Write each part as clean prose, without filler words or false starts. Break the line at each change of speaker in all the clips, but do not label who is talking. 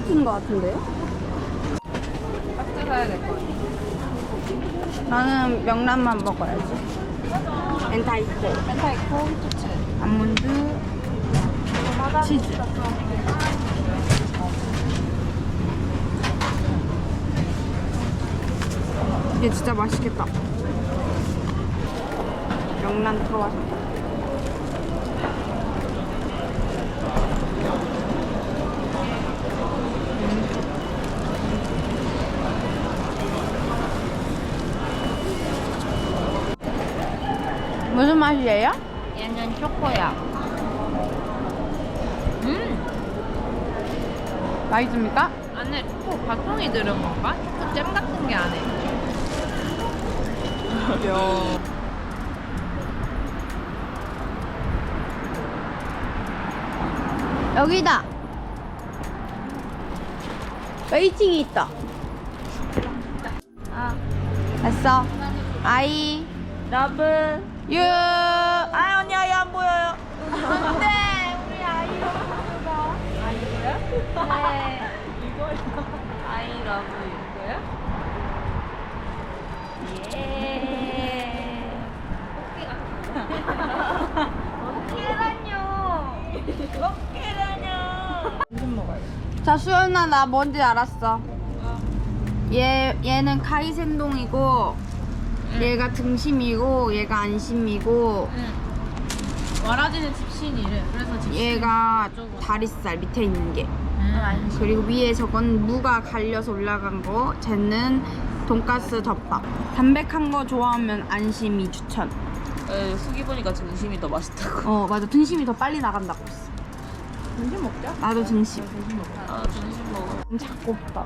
똑같은 거 같은데요?
박스 사야 될 것 같아.
나는 명란만 먹어야지. 엔타이코,
펜타이코 토츠.
아몬드, 치즈. 이게 진짜 맛있겠다. 명란 들어가서. 무슨 맛이에요?
얘는 초코야.
맛있습니까?
안에 초코 가송이 들은 건가? 초코 잼 같은 게 안에.
여기다. 웨이팅이 있다. 됐어. 아이 러브 유. 아 언니 아이 안 보여요.
안돼, 우리 아이 러브가. 아이고요? 네. 이거요? 아이 러브 이거요? 예. 어깨라뇨. 어깨라뇨. 무슨 먹어요?
자 수연아 나 뭔지 알았어. 얘는 카이센동이고 얘가 등심이고 얘가 안심이고
와라지는 집신이래. 그래서 집신.
얘가 다리살 밑에 있는 게 그리고 위에 저건 무가 갈려서 올라간 거 쟤는 돈가스 덮밥. 담백한 거 좋아하면 안심이 추천.
후기 보니까 등심이 더 맛있다고.
맞아 등심이 더 빨리 나간다고 했어.
등심 먹자.
나도 등심.
아, 등심 먹어.
잡고 싶다.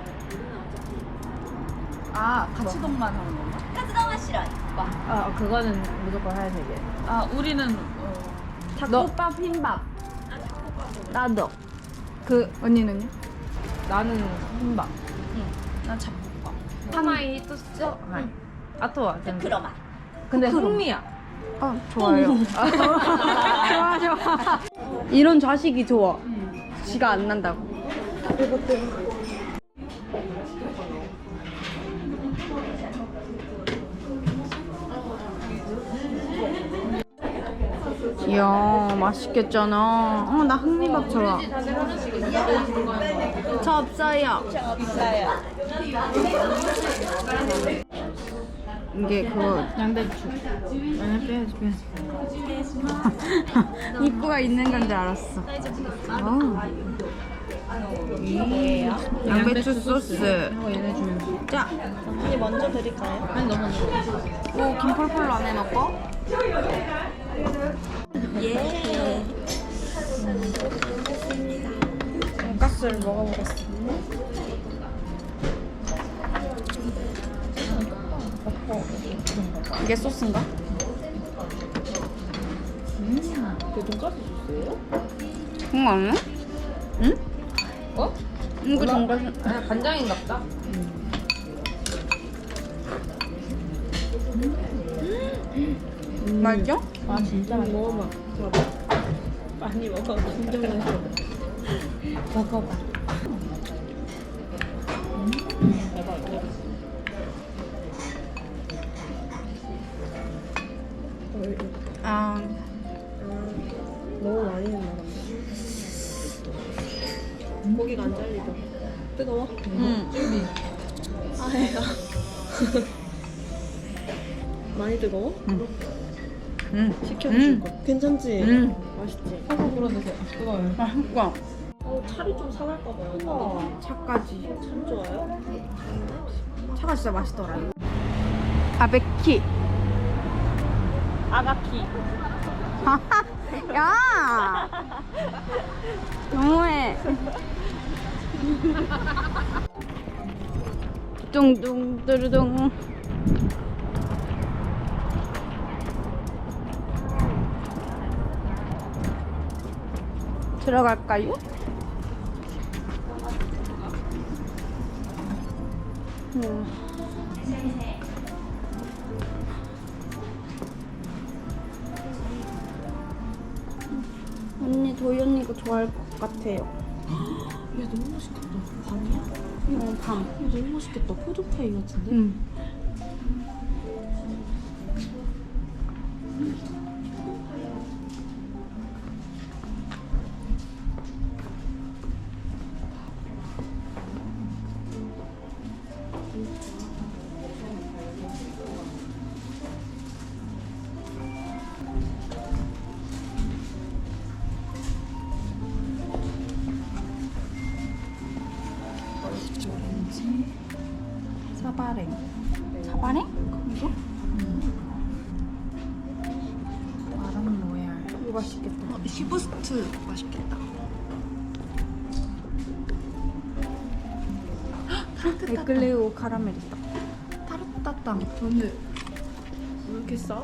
아, 같이동만 하는 건가?
카츠동은 싫어.
아, 그거는 무조건 해야 되게.
아, 우리는
닭국밥 흰밥. 나도. 그 언니는요?
나는 흰밥.
난 잡곡밥.
하마이 토스트? 아토와.
그러마.
근데 흥미야.
좋아요. 좋아 좋아. 이런 자식이 좋아. 지가 안 난다고. 이야 맛있겠잖아. 나 흥미밥 좋아. 저 없어요.
없어요.
이게 그거
양배추. 아니, 빼야지.
입구가 있는 건 줄 알았어. 양배추 소스.
얘네 주면.
자,
언니 먼저 드릴까요?
아니, 너 먼저.
오 김펄펄로 안에 넣고.
예.
돈가스를 먹어보겠습니다. 이게 소스인가?
그 돈까스 소스예요?
그런 거 아니야? 응?
어?
이거 돈가스.
아, 간장인가 보다.
맛있죠?
아, 진짜 맛있어. 먹어봐.
많이 먹어.
진짜 맛있어. 먹어봐.
너무 많이 했나 본데. 고기가 안 잘리죠? 뜨거워?
응.
아해가. 많이 뜨거워?
응.
시켜줄 거. 괜찮지?
응.
맛있지?
한번 불어주세요. 뜨거워요.
맛있고
차리 좀 상할까 봐요.
차까지.
참 좋아요?
차가 진짜 맛있더라. 바베키.
아가키.
야! 너무해. 둥둥 뚜루둥. 들어갈까요? 언니 도희 언니 이거 좋아할 것 같아요.
너무 맛있겠다. 밤이야?
밤.
너무 맛있겠다. 포도파이 같은데?
응. 사바랭. 사바랭? 이거?
마랑 로얄.
이거 맛있겠다.
히브스트 맛있겠다.
에클레오 카라멜이다.
타르타땅. 근데 왜 이렇게 싸?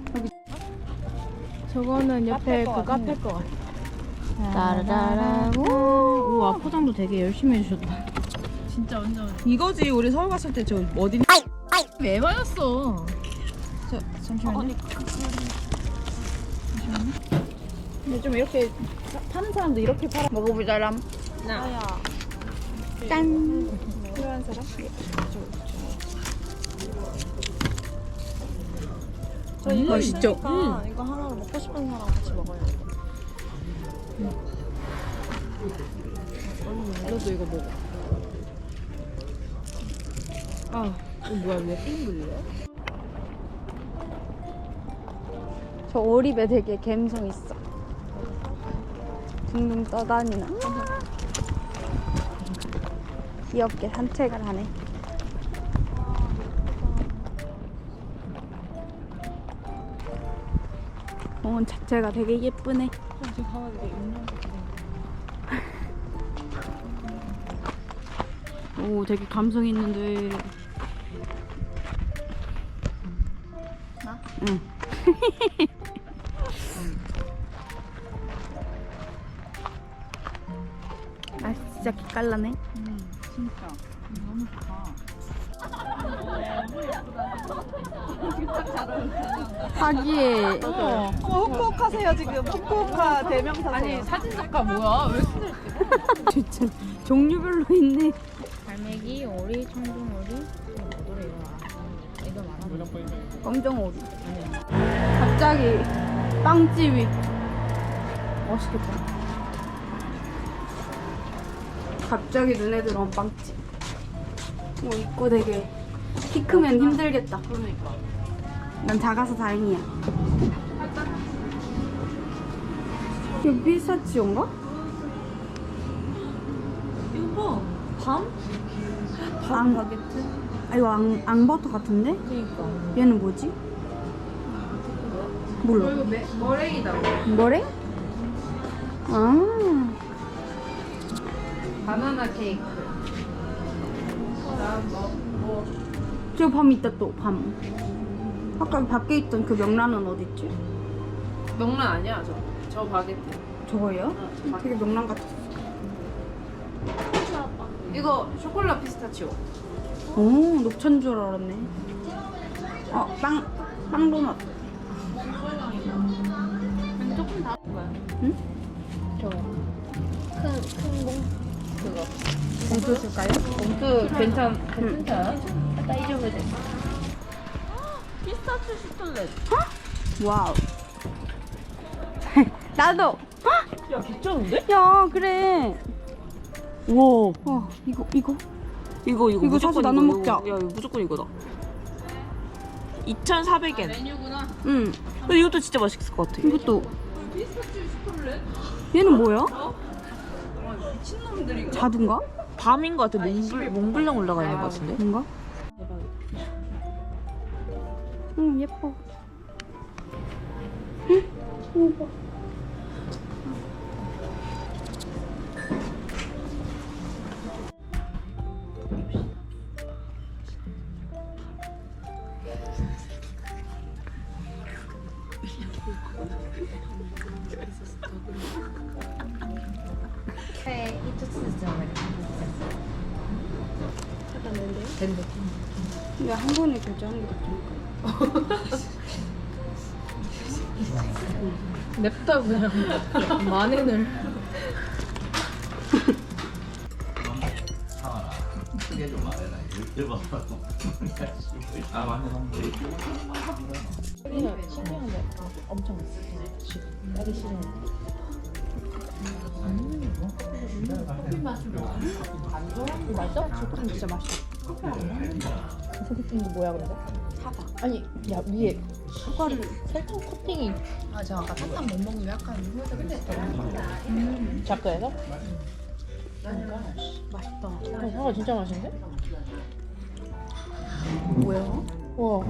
저거는 옆에 그 카페 거 같아. 따라라라고. 우와, 포장도 되게 열심히 해주셨다.
진짜 완전.
이거지. 우리 서울 갔을 때 저 어디
왜 맞았어?
잠시만요. 근데 좀 이렇게 파는 사람도 이렇게 팔아. 먹어보자람.
나야.
짠.
필요한 사람? 저 이거
맛있죠?
있으니까 이거 하나로 먹고 싶은 사람 같이 먹어요. 너도 이거 먹어. 뭐야 왜 빙글려?
저 오립에 되게 감성 있어. 둥둥 떠다니나. 귀엽게 산책을 하네. 공원 자체가 되게 예쁘네.
지금 가만히 있는
오, 되게 감성 있는데.
나?
응. 아, 진짜 기깔나네.
진짜. 너무 좋다.
하기에
후쿠오카세요 지금. 후쿠오카 대명사세요.
아니 사진 작가 뭐야? 왜 이렇게
진짜 종류별로 있네.
갈매기, 오리, 청둥오리, 뭐래요? 이거 말하는
검정오리. 갑자기 빵집이 맛있겠다. 갑자기 눈에 들어온 빵집. 뭐 입고 되게 키 크면 힘들겠다.
그러니까.
난 작아서 다행이야. 이거 피스타치오인가?
이거 봐. 밤?
앙,
바게트?
아, 이거 앙버터 같은데?
그니까.
얘는 뭐지? 몰라.
이거 머랭이다.
뭐래? 아,
바나나 케이크.
저 밤 있다 또 밤. 아까 밖에 있던 그 명란은 어딨지?
명란 아니야 저 바게트.
저거예요? 되게 명란 같았어.
이거 쇼콜라 피스타치오.
오, 녹차인 줄 알았네. 빵 도넛.
조금 다.
응?
그거.
봉투 줄까요?
봉투 괜찮다. 딱 이 정도 돼.
피스타치오 슈틀렛.
와우. 나도.
야 괜찮은데?
야, 그래.
우와.
이거.
이거
이거
무조건
사서 나눠
이거.
먹자.
야 이거 무조건 이거다. 2,400엔.
메뉴구나.
응.
근데 이것도 진짜 맛있을 것 같아.
이것도. 얘는 뭐야?
미친놈들이.
자두인가?
밤인 것 같아. 몽블랑 올라가 있는 것 같은데.
뭔가? 응, 예뻐. 응? 예뻐.
네, 된대.
근데 한 번에 결제하는 게 낫지.
냅다 그냥 만엔을.
아 맞네.
신기한데 엄청 딸기 시즌. 맛있어? 초코팅 진짜 맛있어. 소개팅이 뭐야 근데? 사과. 아니 야 위에 사과를 설탕 코팅이.
아, 저 아까 사탕 못 먹는 게 약간 후회되고 있었거든요.
작가에서?
맛있다.
사과 진짜 맛있는데?
뭐야?
와.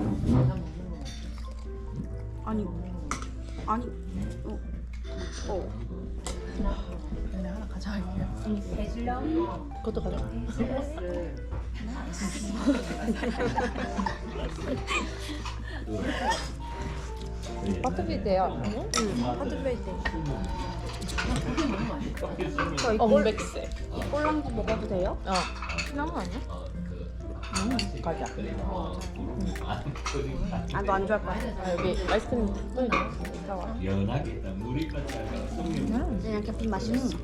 아니
근데 하나 가져갈게요.
그것도 가져.
파트비데요.
하드베이트.
엄백세.
꼴랑도 먹어도 돼요?
어. 신한 거 아니야? 가자.
아, 너 안 좋아할 거야?
아, 여기 아이스크림 뿌려줘.
연하겠다. 물이 같잖아.
그냥 캡틴 맛있어.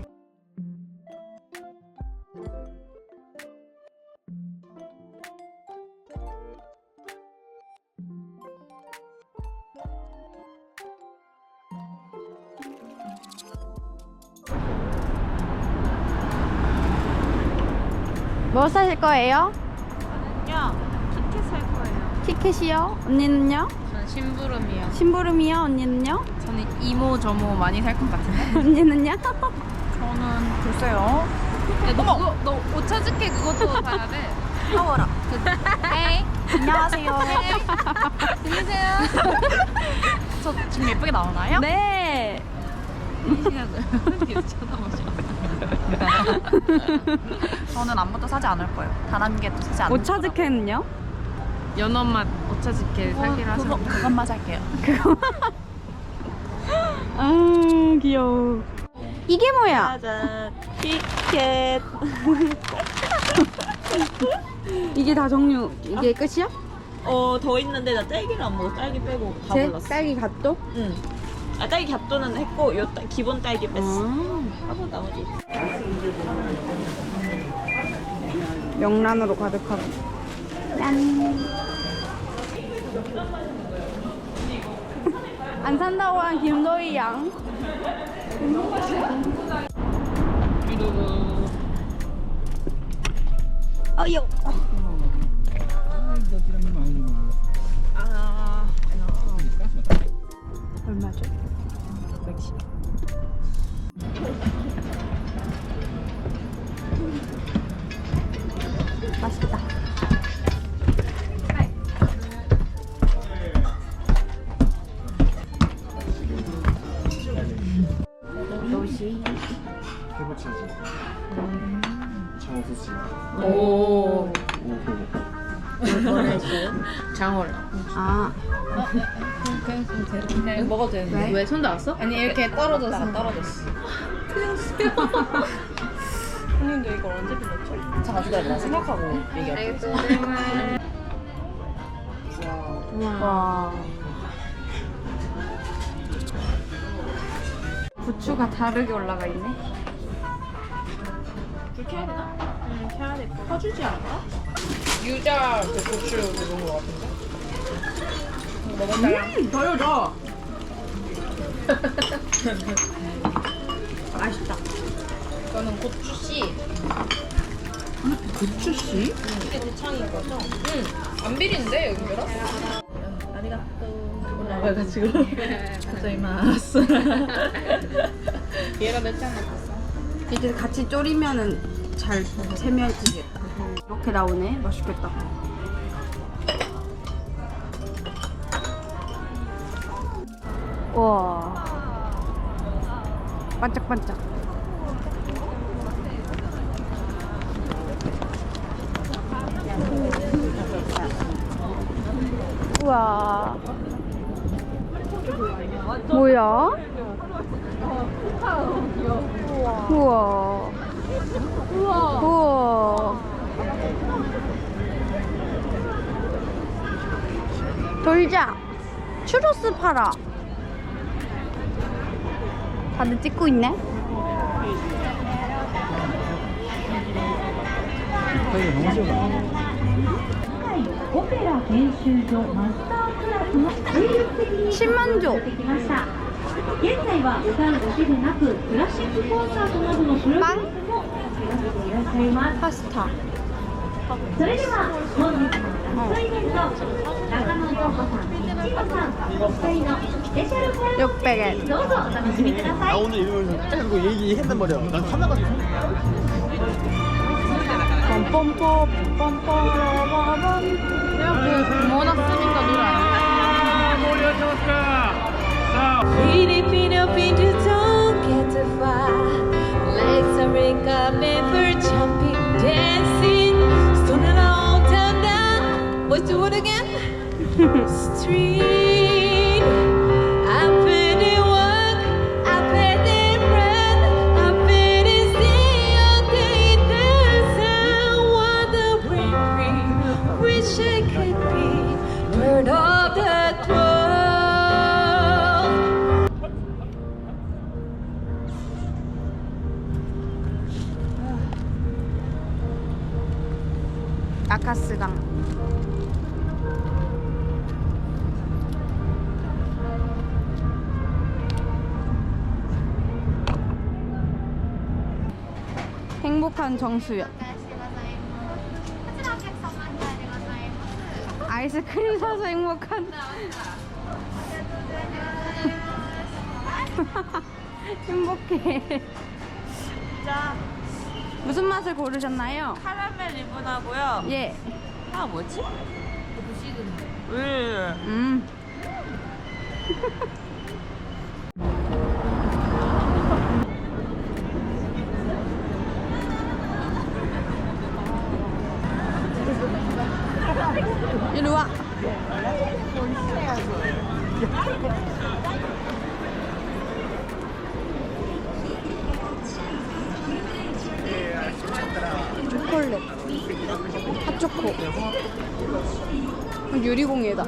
뭐 사실 거예요?
야, 티켓 살 거예요.
티켓이요? 언니는요?
저는 심부름이요.
심부름이요? 언니는요?
저는 이모 저모 많이 살 것 같은데.
언니는요?
저는 글쎄요. 야, 너 오차즈케 그것도 사야 돼.
파워라.
헤이.
안녕하세요.
들리세요? 저 지금 예쁘게 나오나요?
네.
이 시간을 뒤에서 쳐다보죠. 저는 아무것도 사지 않을 거예요. 단 한 개도 사지 않을 거예요.
오차즈케는요?
연어맛 오차즈케 사기로 하시고 그것만 살게요.
아, 귀여워. 이게 뭐야?
짜잔. 티켓.
이게 다 종류, 이게 끝이야?
더 있는데 나 딸기를 안 먹어. 딸기 빼고 다
제
골랐어.
딸기 갓도?
응. 아, 딸기 갓도는 했고 기본 딸기 뺐어.
아.
하고 나머지.
명란으로 가득하고. 짠. 안 산다고 한 김도희 양. 어여. 얼마죠? 110. 맛있다. 도시.
해보차지. 장수지.
오.
오.
장어를.
아,
그냥 먹어도 되는데. 왜 손 닿았어? 아니 이렇게 떨어졌어.
떨어졌어. 형님도 이걸 언제 빌렸죠? 잠깐 기다려. 나 생각하고 얘기할게.
와. 부추가 다르게 올라가 있네.
불 켜야 되나? 응, 켜야 될 거. 켜주지 않을까?
유자 그 고추 그런 거 같은데.
덜어줘.
맛있다.
이거는 고추씨.
부추씨?
이게 대창인 거죠?
응. 안 비린데 여기라?
아리가또. 올라와가지고. 갑자기 마스.
얘가 몇 잔 먹었어?
이게 같이 졸이면은 잘 스며지겠다. 이렇게 나오네. 맛있겠다. 와. 반짝반짝. 우와. 뭐야? 우와. 우와. 돌자. 추로스 팔아. 다들 찍고 있네.
이거 너무 좋아.
オペラ研修所マスタークラスの精力的に
10만조
てきました。現在は歌うだけでなくクラシックコンサートなどのプログラムも手掛けていらっしゃいます。
파스타
それでは本日のラストイベント、中野涼子さん、一野さんお二人のスペシャルコラボ
600엔
どうぞお楽しみください。
오늘 이러면서 그거 얘기했단 말이야. 난 하나가
뻔뻔뻔 뻔뻔뻔 이렇게 모아놨으니까 놀아요.
Filipino people don't get to fly. Legs are recovered for jumping, dancing, stoning all down down. What's the word again? Street. I put in work, I put in rent, I put in stay all day dancing. Wandering free, wish I could be part of that world.
아카스강 행복한 정수연 아이스크림 사서 행복한 행복해. 무슨 맛을 고르셨나요?
카라멜 리본하고요.
예.
아 뭐지? 왜?
이리 와. 초콜릿 핫초코 유리공예다.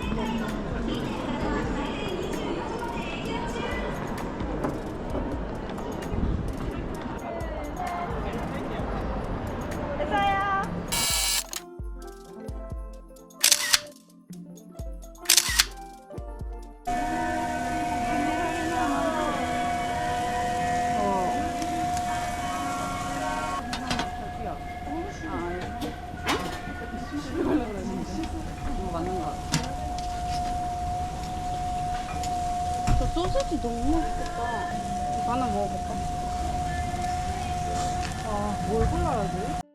저 소세지 너무 맛있겠다. 이거 하나 먹어볼까? 아, 뭘 골라야지?